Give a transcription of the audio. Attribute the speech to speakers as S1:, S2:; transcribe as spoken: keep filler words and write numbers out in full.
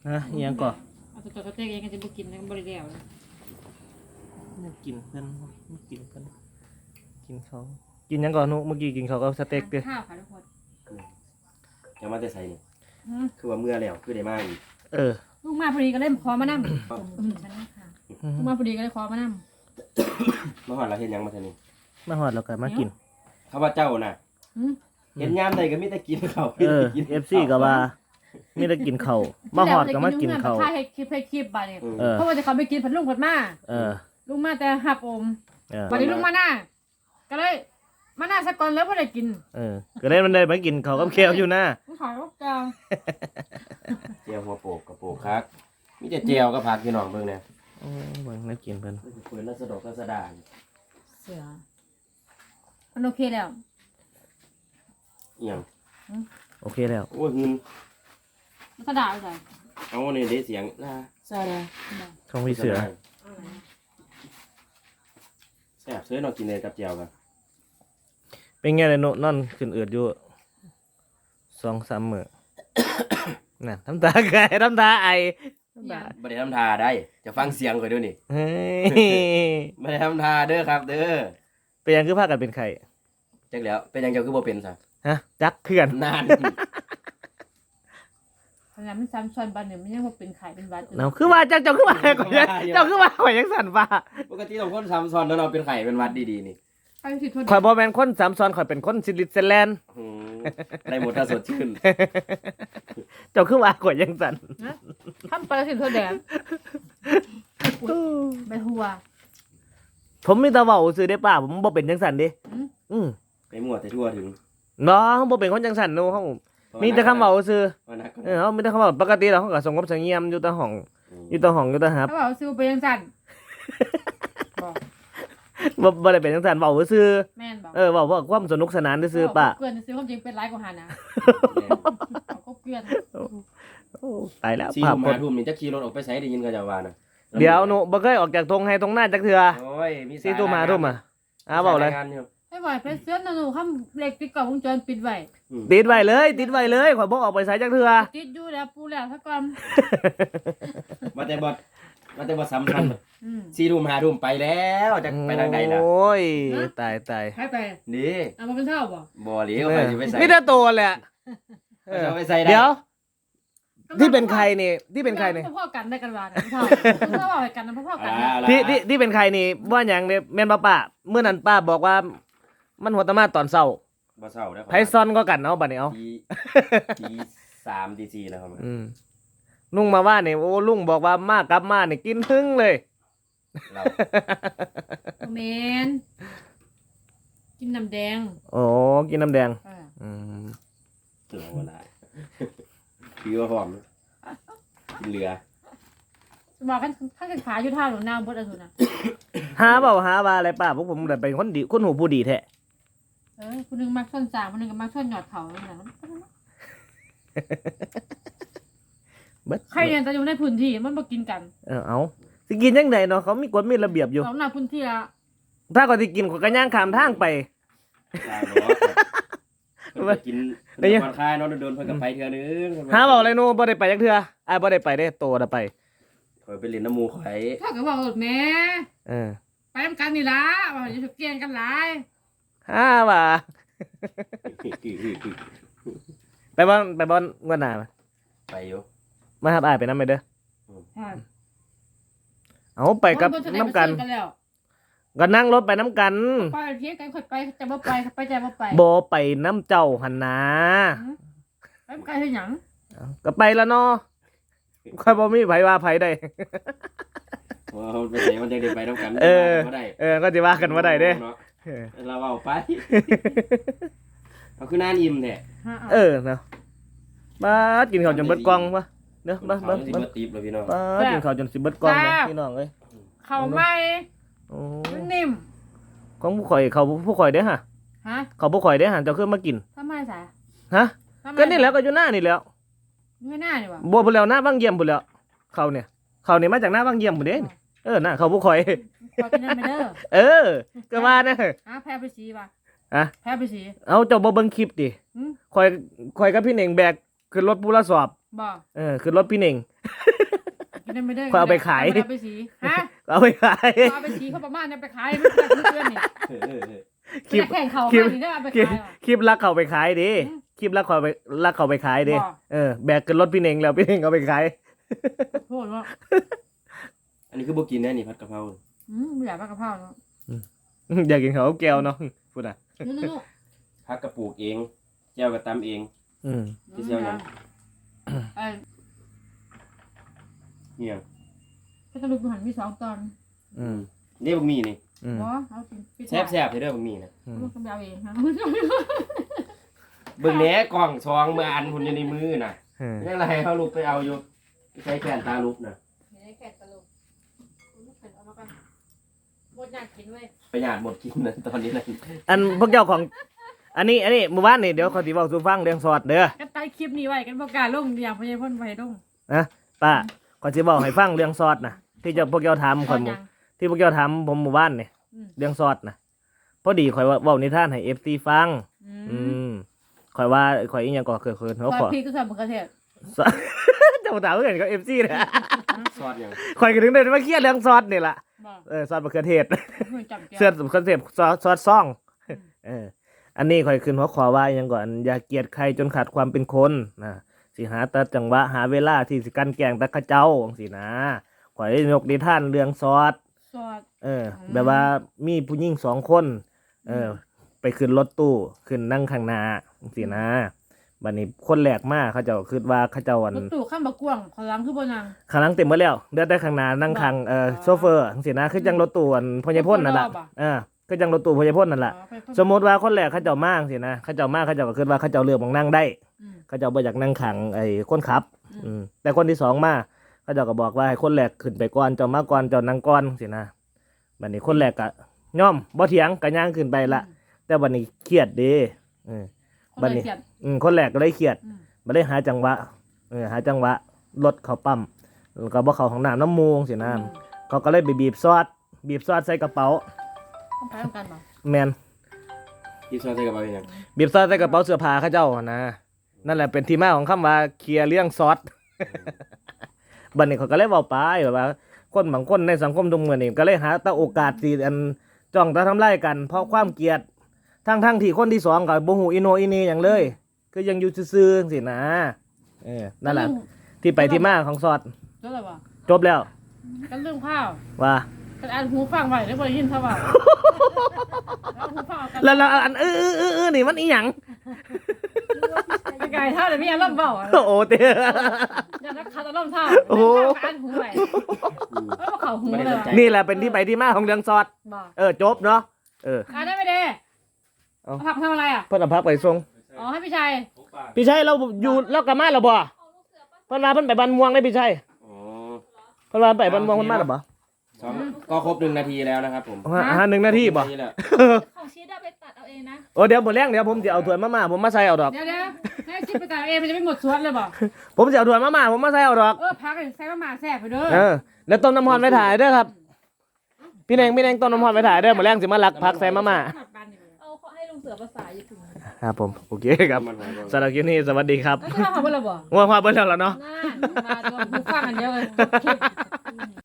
S1: ฮะอิหยังก่อ
S2: เอาตัวตัวเต้เองก็จะบ่กินนะบ่ได้แล้ว
S1: ไม่กินเพิ่นไม่กินเพิ่นกินเขากินหยังก่อนนุเมื่อกี้กินเขาก็สเต็กเด้อ
S2: ข้าวค่ะทุกคน
S3: ยังมาแต่ใส่นี่
S2: อืม
S3: คือว่าเมื่อแล้วคือได้มาอีก
S1: เออ
S2: ลูกมาพอดีก็เล่นคอมานั่งลูกมาพอดีก็เลยคอมานั่ง
S3: เมื่อวานเราเห็นยังมาเท่านี้
S1: มาหอดแล้วก็มากิน
S3: ข้าพเจ้าน่ะ
S2: อืม
S3: เห็นยามใดก็มีแต่กินเขา
S1: เออ เอฟซีก็ว่ามีแต่กินเขาวมาหอดก็มากินเขาว
S2: ถ่ายให้คลิปให้คลิปบัดนี้
S1: เออ
S2: เพราะว่าจะเขาไปกินผัดลุงผัดมา
S1: เออ
S2: ลุงมาแต่หับอม
S1: เออ
S2: บัดนี้ลุงมาหน้าก็เลยมาหน้าสักก่อนแล้วบ่ได้กิน
S1: เออก็เลยมันได้มากินเขาวกับแควอยู่นะ
S2: ผมขอลูกกลาง
S3: เจียวหัวโปกกับโปกคักมีแต่เจียวกับผักพี่น้องเบิ่งเนี่ย
S1: โอ้เบิ่งน่ากินเพิ่น
S3: เปิดแล้วสะดอกก็สะดาน
S2: เสือมันโอเคแล้ว
S3: อีหยัง
S1: โอเคแล้ว
S3: โอ้ยหืน
S2: มันก็ด่าไปใส่
S3: เอาเนี่ยได้เสียงลาซาดา
S1: ของพี่เสือ
S3: แซ่บเสือเนาะกินเลยกับเจียวกัน
S1: เป็นไงเลยโนนอนขึ้นเอือดอยู่สองสามมื้อ น่ะทำตาไก่ทำตาไอทำตา
S3: บ่ได้ทำทาได้จะฟังเสียงข่อยด้วยนี่
S1: เฮ้ย
S3: บ่ได้ทำทาเด้อครับ เด้อ
S1: เป็นหยังคือพากันเป็นไข่
S3: จักแล้วเป็นหยังเจ้าคือบ่เป็นซะ
S1: ฮะจักเขื่อน
S3: นาน
S2: ขนาดมันซ้ำซ้อนบัดเนี่ยมันยังว่าเป็นไข่เป็นหวัดอยู่
S1: เนาคือว่าเจ้าเจ้าคือว่าข่อยยังเจ้าคือว่าข่อยยังสั่นว่า
S3: ปกติต้องคนซ้ำซ้อนแล้วเราเป็นไข่เป็นหวัดดีๆนี่
S2: ใครสิโทษ
S1: ข่อยบ่แม่นคนสามซ้อนข่อยเป็นคนสวิตเซอร์แลนด์
S3: อืมได้หมดถ้าสดชื่น
S1: เจ้าคือว่าข่อยยังสั่น
S2: นะทำไปแล้วสิโทษแดงไปหัว
S1: ผมมีแต่เว้าซื่อเด้ป้าผมบ่เป็นจังสั่นเด้
S2: อืม
S1: อือ
S3: ไปมั่วแต่ทั่วถึง
S1: เนาะบ่เป็นคนจังสั่นเนาะเฮามีแต่คำเว้าซื่อ
S3: ว่านัก
S1: เออเฮามีแต่คำเว้าปกติแล้วเฮาก็สงบเสงี่ยมอยู่แต่ห้องอยู่แต่ห้องอยู่แต่หับ
S2: ถ้าบอกซื้อไปยังสั่นบอก
S1: บ่บ่ได้เป็นจังซั่นเว้าซื่อ
S2: แม่นบอก
S1: เออเว้าเพื่อความสนุกสนานซื่อๆป้า
S2: เกลือนซื้อความจริงเป็นร้ายกว่าหานะเอาก็เกลือน
S1: โอ้ตายแล้ว
S3: สี่
S1: ภาพ
S3: ทุ่ม
S1: ค
S3: ห้าน ทุ่มนี่จะขี่รถออกไปไสได้ยินเขาจะว่านะ
S1: เดี๋ยวหนูบ่เคยออกจากทงให้ทงหน้าจักเทื่อ
S3: โอ้ยมี
S1: สี่ทุ่มห้าทุ่มอ่ะอ้าเว้าเลย
S2: ให้บ่อยเพชรเสื้อหนูข้ามเหล็กติดกล่องวงจรปิดไว้
S1: ติดไว้เลยติดไว้เลยข่อยบ่ออกไปไสจักเทื่อ
S2: ติดอยู่แล้วปูแล้วถ้าก่อน
S3: มาแต่บ่มาแต่บ่สำคัญ
S2: อืม
S3: สี่ทุ่มห้าทุ่มไปแล้วจะไปทางใดล่ะ
S1: โอ้ยตายตาย
S2: ให้ไป
S3: นี่
S2: เอามาเป็นเท่าบ่
S3: บ่หลีเขาไปสิไปใส่
S1: มีแต่ตัวแหละ
S3: เขาจะไปใส่ได้
S1: เดี๋ยว ที่เป็นใครนี่ที่เป็นใครนี่
S2: พ่อกันได้กันว่าเท่าเท่าเอากันนะพ่อกัน
S3: อ่าล่ะ
S1: ที่ที่ที่เป็นใครนี่ว่าหยังเนี่ยแม่นป้าป้าเมื่อนั้นป้าบอกว่า มันหัวตะมาตอนเช้า
S3: บ่เศร้าเด้อ
S1: ไพซอนก็กันเอาบัดนี้เอา
S3: ตีตีสามตีสี่แล้วครับ
S1: อืมลุงมาว่าเนี่ยโอ้ลุงบอกว่ามากกลับมาเนี่ยกินทึ่งเลย
S3: เรา
S2: เมนกินน้ำแดง
S1: โอ้กินน้ำแดง
S2: เออ
S1: อืม
S3: เราเวลาคือว่าหอมกินเหลือ
S2: บอกกันข้างกันขาอยู่ท่าหนูนาบดอะไรนะ
S1: หาเปล่าหาว่าอะไรป้าพวกผมแต่เป็นคนดีคนหูผู้ดีแท้
S2: เออคนนึงมักส้นสามคนนึงก็มักส้นหยอดเขาเนี่ยนะ
S1: เบิด
S2: ใครเนี่ยจะอยู่ในพื้นที่มันมากินกัน
S1: เออเอาสิกินยังไงเนาะเขามีกฎมีระเบียบอยู่
S2: เราหน้าพื้นที่ละ
S1: ถ้าก็สิกินก็กระย่างขามทางไป
S3: ตายเนาะเพิ่นไปกินเพิ่นไปผ่อนคลายเนาะโดนๆเพิ่นก็ไปเทื่อนึง
S1: หาเปล่าอะไรนู่นบ่ได้ไปจักเทื่ออ้ายบ่ได้ไปได้โตได้ไป
S3: ข่อยไปเล่นน้ำหมูข่อย
S2: ถ้าก็บอกหมดแม่
S1: เออ
S2: ไปทำกันนี่ละว่าจะเกี่ยงกันหลาย
S1: หาว่าไปบ่อนไปบ่อนงวดหน้ามา
S3: ไปอยู่
S1: มาหาอ้ายไปนำไปเด้อ
S2: ใช่
S1: เอาไปกับน้ำกัน
S2: กันแล้ว
S1: ก็นั่งรถไปน้ำกัน
S2: ไปเที่ยงกันค่อยไปจะบ่ไปไปจะบ่ไป
S1: บ่ไปน้ำเจ้าหันนา
S2: ไปไกลเฮ็ดหยัง
S1: ก็ไปแล้วเนาะค่อยบ่มีไผว่าไผได้
S3: ว่ามันไปไหนมันจะได้ไปน้ำกัน
S1: เออ
S3: บ่ได้
S1: เออก็สิว่ากันบ่ได้เด้
S3: เนาะ
S1: เออ
S3: เราเอาไปเอาคือนานอิ่มแท้
S1: เออเนาะบ้าดกินข้าวจนเบิดกล่องวะเด้อบ้า
S3: เขา
S1: บ้า
S3: สิ
S1: บ้า
S3: บ่ตีบแล้วพี่น้อง
S1: บ้าดกินข้าวจนสิเบิดกล่องเลยพี่น้องเอ้ย
S2: เข้าไม่
S1: โอ้
S2: มันนิ่ม
S1: ของผู้ข่อยเขาผู้ข่อยเด้อฮะ
S2: ฮะ
S1: เขาผู้ข่อยเด้อฮะเจ้าคือมากิน
S2: ทำไมสาย
S1: ฮะก็นี่แหล้วก็อยู่หน้านี่แหล้ว
S2: ไม่น่านี่วะ
S1: บัวพุ่นแล้วหน้าบางเยี่ยมพุ่นแล้วเขาเนี่ยเขาเนี่ยมาจากหน้าบางเยี่ยมพุ่นเด้นี่เออหน้าเขาผู้ข่อย
S2: ขอกินน้ำไปเด้อ
S1: เออก็ว่านะ
S2: ฮะแพ้ไปสีป่ะ
S1: อะ
S2: แพ้ไปสี
S1: เอาเจ้าบ่เบิ่งคลิปดิ
S2: หืม
S1: ข่อยข่อยกับพี่เน่งแบกขึ้นรถปูละสอบ
S2: บ่
S1: เออขึ้นรถพี่เน่ง
S2: กินได้ไม่ได้
S1: เขาเอาไปขาย
S2: เอาไปสีฮะ
S1: เอาไปขาย
S2: เอาไปสีเขาประมาณเนี่ยไปขายไม่ได้ทุกเดือนนี่
S3: เออเออเออ
S1: คลิป
S2: ไปแข่งเขา
S1: คลิป
S2: ขายนี่ได้เอาไป
S1: คลิป
S2: ขายเหรอ
S1: คลิปลักเขาไปขายดิ
S2: อืม
S1: คลิปลักเขาไปลักเขาไปขายดิ
S2: บ่
S1: เออแบกขึ้นรถพี่เน่งแล้วพี่เน่งเอาไปขาย
S2: โทษว่า
S3: อันนี้คือบ่กินแน่นี่ผัดกะเพรา
S2: อืมไม่อยากปลากระเพราเนาะ
S1: อยากกินเขาวแก้วเนาะพูดอ่ะ
S2: นู่น
S3: ผักกระปลูกเองแจ่วก็ตำเอง
S1: อืม
S2: ๆ
S3: ที่เชียวยัง
S2: ไอ้
S3: เนี่ย
S2: ก็ตะลุกหันมีสองตอน
S1: อืม
S3: นี่บ่มีนี่
S1: อืม
S2: บ่เอากินปิด
S3: แซ่บๆเด้อบ่มีนะ
S1: อืม
S2: ลูกก็ไปเอาเองนะ
S3: เบิ่งแหน่กล่องซองเมื่ออันหุ่นอยู่ในมือน่ะ
S1: เออ
S3: ยังไงให้เขาลูกไปเอาอยู่ใช้แขนตาลูกน่ะ
S2: ไม่ได้แค่ตะลุกลูกเป็นเอามากันหมดอยากกินเว้ย
S3: ประหยัดหมดกินนะตอนนี้นะ
S1: อันพวกเจ้าของ อันนี้อันนี้หมู่บ้านนี่เดี๋ยวเขาสิบอกสู่ฟังเรื่องสอดเด้อ
S2: กันใต้คลิปนี้ไว้กันบอกกล้ารลงอย่างพญาพ่นไปลง
S1: นะป้าขอสิบอกให้ฟังเรื่องสอดนะที่เจะพวกเจ้าถาม
S2: ต
S1: ข่
S2: อ
S1: อย
S2: น
S1: หมู่
S2: ยัง
S1: ที่พวกเจ้าถามผมหมู่บ้านนี่
S2: อืม
S1: เรื่องสอดนะพอดีข่อยว่าเว้านิทานให้ เอฟ ซี ฟัง
S2: อื
S1: อื
S2: ม
S1: มข่อยว่าข่อยอีหยังก็เคยเคย
S2: ซ
S1: เขา
S2: อ
S1: ข
S2: ส
S1: อ
S2: พริกก็ใส่มะเขือเทศ
S1: สอด เจ้าถามเรื่องกับ เอฟ ซีนะ
S3: ซอสยัง
S1: ข่อยก็ถึงได้มาเครียดเรื่องซอสนี่ล่ะ
S2: บอก
S1: เออซอสมะเขือเทศ
S2: เหมือนจับแก้ว
S1: เสื้อคอนเซปต์ซอสซอสซ่อง
S2: อืม
S1: เออ อันนี้ข่อยขึ้นหัวขอว่าอยังก่อนอย่าเกลียดใครจนขาดความเป็นคนนะสิหาแต่จังหวะหาเวลาที่สิกันแกล้งตะเข้าเจ้าจังซี่นะข่อยได้ยกนิทานเรื่องซอส
S2: ซอส
S1: เออ
S2: อืม
S1: แบบว่ามีผู้หญิงสองคน เออ ไปขึ้นรถตู้ขึ้นนั่งข้างหน้าจังซี่นะบัดนี้คนแรกมาเขาเจ้าคิดว่าเขาเจ้าอัน
S2: รถตู้ข้ามบะกวางขอล้างคือบนนาง
S1: ข้างหลังเต็มหมดแล้วเดือดได้ข้างหน้านั่งข้างเอ่อโซเฟอร์จังซี่นะคือจังรถตู้อันพญาพ่นนั่นล่ะ
S2: รถตู้รอบอะ
S1: เออคือจังรถตู้พญาพ่นนั่นล่ะ
S2: อ๋อไปพ่น
S1: สมมติว่าคนแรกเขาเจ้ามากสินะเขาเจ้ามากเขาเจ้าก็คิดว่าเขาเจ้าเลือกบางนั่งได้
S2: อืม
S1: เขาเจ้าบ่อยากนั่งขังไอ้คนขับ
S2: อืม
S1: อืมแต่คนที่สองมาเขาเจ้าก็บอกว่าให้คนแรกขึ้นไปก่อนเจ้ามาก่อนเจ้านั่งก่อนสินะบัดนี้คนแรกก็ย่อมบ่เถียงก็ย่างขึ้นไปละแต่บัดนี้เครียดเด้เออ
S2: คน
S1: บัด
S2: ละ
S1: นี้
S2: เกียด
S1: อืมคนแรกก็เลยเครียด
S2: อืม
S1: บ่ได้หาจังหวะเออหาจังหวะรถเขาปั๊มแล้วก็บ่เข้าห้องน้ำน้ำมูกสินะเขาก็เลยไปบีบซอสบีบซอสใส่กระเป๋า
S2: ต้องไปต้องกันบ่
S1: แม่น
S3: ที่ซอสใส่กระเป๋ายัง
S1: บีบซอสใส่กระเป๋าเสื้อผ้าเขาเจ้าหั่นนะนั่นแหละเป็นที่มาของคำว่าเคลียร์เรื่องซอส บัดนี้เขาก็เลยเว้าไปแบบว่า คนบางคนในสังคมทุกมื้อนี้ก็เลยหาแต่โอกาสที่อันจ้องจะทำลายกัน เพราะความเกลียดทั้งทั้งๆที่คนที่สองก็บ่ฮู้อีโหนอีเหนี่หยังเลย คือยังอยู่ซื่อๆจังซี่นะเออนั่นแหละที่ไปที่มาของซอส
S2: แล้วอะไรวะ
S1: จบแล้ว
S2: กันเรื่องข้าว
S1: ว่า
S2: กันอ่านหูฟังไว้แล้วบ่ได้ยินเขาว่าแล้วหูฟังเอากัน
S1: แล้วแล้วอันเออเออเออเออนี่มันอีหยัง
S2: ไปไกลเท่าเดี๋ยวมีอารมณ์เบาอะ
S1: โอ้เต้
S2: อย่านักขัดอารมณ์เท่า
S1: โอ้โห
S2: อ่านหูไว้แล้วบ่เข้าหูเลยว่ะ
S1: นี่แหละเป็นที่ไปที่มาของเรื่องซอส
S2: บอก
S1: เออจบเนาะเออ
S2: อ่านได้ไหมเด้
S1: เอา
S2: เอาผักทำอะไรอ่ะ
S1: เพิ่นเอาพักไปส่ง
S2: อ๋อให้พี่ชัย
S1: พี่ชัยเราอยู่แล้วกลับมาแล้วบ่เพิ่นว่าเพิ่นไปบ้านม่วงได้พี่ชัย
S3: อ๋อ
S1: เพิ่นว่าไปบ้านม่วงเพิ่นมาแล้วบ่
S3: สองก็ครบหนึ่งนาทีแล้วนะครับผม
S1: ฮะฮะหนึ่งนาทีบ่
S3: หงแล้ว
S4: ของชีสอะไปตัดเอาเองนะ
S1: โอ้เดี๋ยวบ่แรงเดี๋ยวผมจะเอาถ้วยมาม่าผมมาใส่เอาดอก
S2: เดี๋ยวเดี๋ยวให้ชิปไปจ่ายเองมันจะไม่หมดสวนเลยบอก
S1: ผมจะเอาถ้วยมาม่าผมมาใส่เอาดอก
S2: เออพักให้ใส่มาหมาแซ่บไปเด้อ
S1: เออแล้วต้มน้ำร้อนไว้ถ่ายเด้อครับ พี่แดงพี่แดงต้มน้ำร้อนไว้ถ่ายเด้อมื้อแรงสิมาลักพักใส่มาม่า
S4: เอาเขาให้ลุงเสือภาษาญี่ปุ่น
S1: ครับผมโอเคครับ
S3: มันหายไป
S1: สำหรับคลิปนี้สวัสดีครับ
S2: แล้วจะทำเขาเพื่ออะไรบ่
S1: ว่าพาเบิ่งแล้วล่ะเนาะ
S2: นั่นมาตัวหูฟังอันเดียวเลย